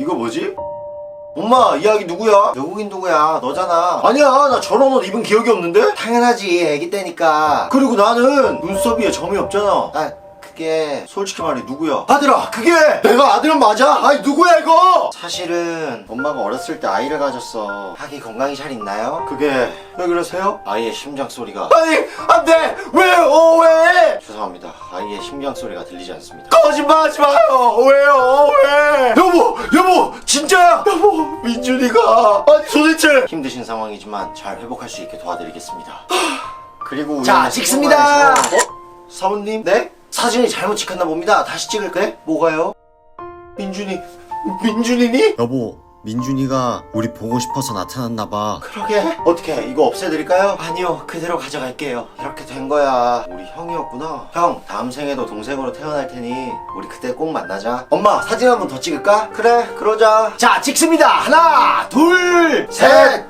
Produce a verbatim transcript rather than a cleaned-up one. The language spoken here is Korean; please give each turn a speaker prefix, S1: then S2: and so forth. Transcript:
S1: 이거 뭐지? 엄마, 이 아기 누구야? 외국인 누구야? 너잖아. 아니야, 나 저런 옷 입은 기억이 없는데? 당연하지, 애기 때니까. 그리고 나는 눈썹 위에 점이 없잖아. 아, 그게 솔직히 말해 누구야? 아들아, 그게 내가 아들은 맞아? 아니 누구야 이거? 사실은 엄마가 어렸을 때 아이를 가졌어. 아기 건강이 잘 있나요? 그게 왜 그러세요? 아이의 심장 소리가. 아니 안돼! 왜요? 왜? 죄송합니다. 아이의 심장 소리가 들리지 않습니다. 거짓말하지 마요. 왜요? 왜? 여보, 여보, 진짜야? 여보, 민준이가 아니 도대체 힘드신 상황이지만 잘 회복할 수 있게 도와드리겠습니다. 그리고
S2: 자, 찍습니다.
S1: 어? 사모님? 네? 사진이 잘못 찍혔나 봅니다. 다시 찍을까요? 뭐가요? 민준이, 민준이니?
S3: 여보, 민준이가 우리 보고 싶어서 나타났나봐.
S1: 그러게. 어떻게 이거 없애드릴까요? 아니요, 그대로 가져갈게요. 이렇게 된 거야. 우리 형이었구나. 형, 다음 생에도 동생으로 태어날 테니 우리 그때 꼭 만나자. 엄마, 사진 한 번 더 찍을까? 그래, 그러자.
S2: 자, 찍습니다. 하나, 둘,
S1: 셋!